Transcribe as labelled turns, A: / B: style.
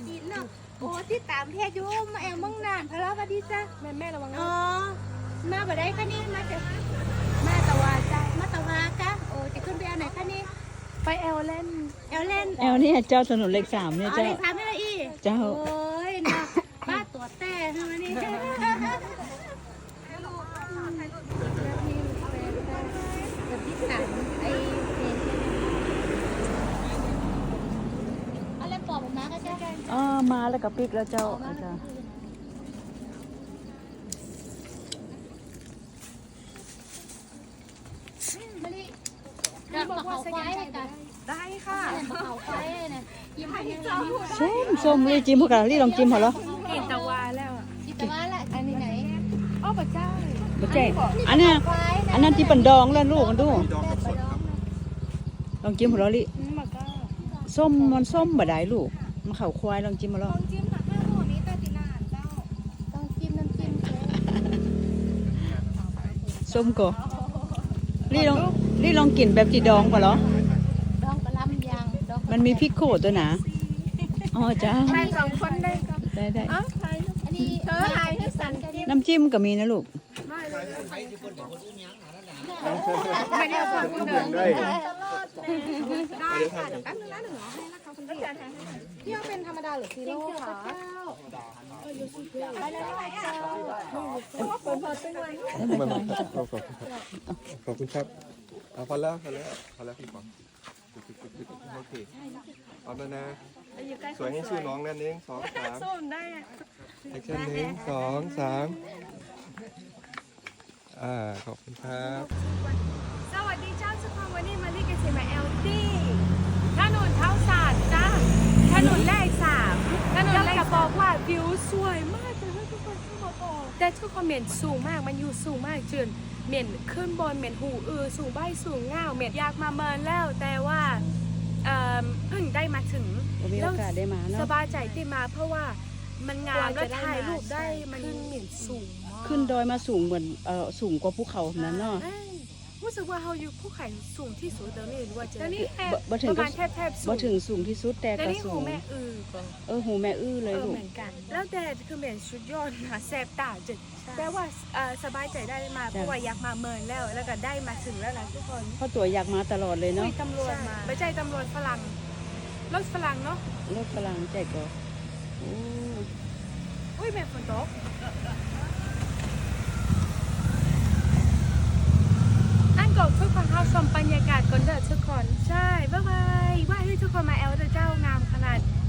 A: ดินเนาะโอ้ที่ตามเพจอยู่มาแอลมั่งนานพะเลาะกันดีจ้ะแม่ระวังอ๋อมาบ่ได้ค่ะนี่มาแต่มาตะวาจ้ะมาตะวากะโอ้จะขึ้นไปเอาไหนคะนี่ไปแอลเล่น
B: แอลนี่เจ้าถนนเลข3เนี่ย
A: อ๋อ
B: เจ้า
A: เลยทำให้ละอี
B: เจ้า
A: โอ้ยนะป้าตัวแต่ทำไมนี่กับพี่สันไอ้อะไรปอบออกมาก็ใช่กัน
B: มาแล้วก็ปิกแล้วเจ้าจ้า
A: มะลิเดินมาเขาควายเลยกัน
C: ได้ค่ะ
A: เดินมาเขาควายเลยนะยิ้มให้ยังไง
B: ส้มเลยจิ้มพวกเราลี่ลองจิ้มเหรอ
C: กินตะวาแล้วอ่ะ
A: จิตว่าละอันนี้ไหน
C: อ้อพระเจ้า
B: บ่แจ้งอันนั้นที่ปันดองแล้วลูกกันดูลองจิ้มหัวเราะลี่
C: มันก็
B: ส้มมันส้มบ่ได้ลูกมันเข่าควายลองจิ้มมาแล้ว
C: ต้องจิ้มผักข้าวหมูนี้ตาตินานเจ้า
A: ต้องจิ้มน้ำจิ้ม
B: ส้มก็ลี่ลองกินแบบที่ดองป่ะเหรอ
A: ดองกระลำยางดอง
B: มันมีพริกโขดตัวหนาอ๋อจ้า
C: ไป2 คนได้ก็
B: ได้
C: อ้าวใคร
A: อันนี้เธอไทยให้สันกัน
B: น้ำจิ้มก็มีนะลูก
C: ไม่ได้ฟังคุณเดิน
D: ได้
C: ได้ค่ะเดี๋ยวแป๊บนึงนะหนูให้นะคะคุณพี่พี่เอาเป็นธรรมดาหรือซีโร่คะไปเลยเจ้าเปิดตึ้งไว้
D: ขอบคุณครับพอแล้วพี่ปองโอเคเอาแล้วนะสวยให้ชื่อน้องนั่นเอง2 3
C: ส้มได้
D: แอคชั่น1 2 3ขอบคุณครับ
C: สวัสดีเจ้าสุภาพวันนี้มาลีกันเซมาเอลดี้ถนนเท้าศาสตร์จ้าถนนแรก3ถนนแรกบอกว่าวิวสวยมากเลยทุกคนเข้ามาบอกแต่ทุกคนเหม็นสูงมากมันอยู่สูงมากจนเหม็นขึ้นบนเหม็นหูสูงใบสูงเงาเหม็นอยากมาเมินแล้วแต่ว่าเพิ่งได้มาถึง
B: มีโอกาสได้มาเนาะ
C: สบายใจที่มาเพราะว่ามันงามและถ่ายรูปได้มันเหม็นสูงมาก
B: ขึ้นดอยมาสูงเหมือนสูงกว่าภูเขานั้นเนาะ
C: รู้สึกว่าเขาอยู่ภูเขาสูงที่สุดแล้วนี่หรือว่าจะนี่แค่
B: บ่ถึง
C: ประมาณแทบสู
B: บ่
C: ง
B: ถึงสูงที่สุดแต่
C: แล้ว
B: ก็
C: นี่
B: สู
C: หู
B: ง
C: แม่ก็
B: หูแม่เลยลูก
C: เหมือนกัน แล้วแต่คือเหม็นชุดยอดนะแสบตาจัดแต่ว่าสบายใจได้มาเพราะว่าอยากมาเมินแล้วก็ได้มาถึงแล้วนะทุกคน
B: เพราะตัวอยากมาตลอดเลยเนาะ
C: มีตำรวจมาไม่ใช่ตำรวจฝรั่งรถฝรั่งเนาะ
B: รถพลังใจก็โอ้
C: อุ้ยแม่ฝนตกอันก่อนทุกคนเข้าชมบรรยากาศก่อนเด้อทุกคนใช่บ๊ายบายว่าให้ทุกคนมาแอลเจ้างามขนาด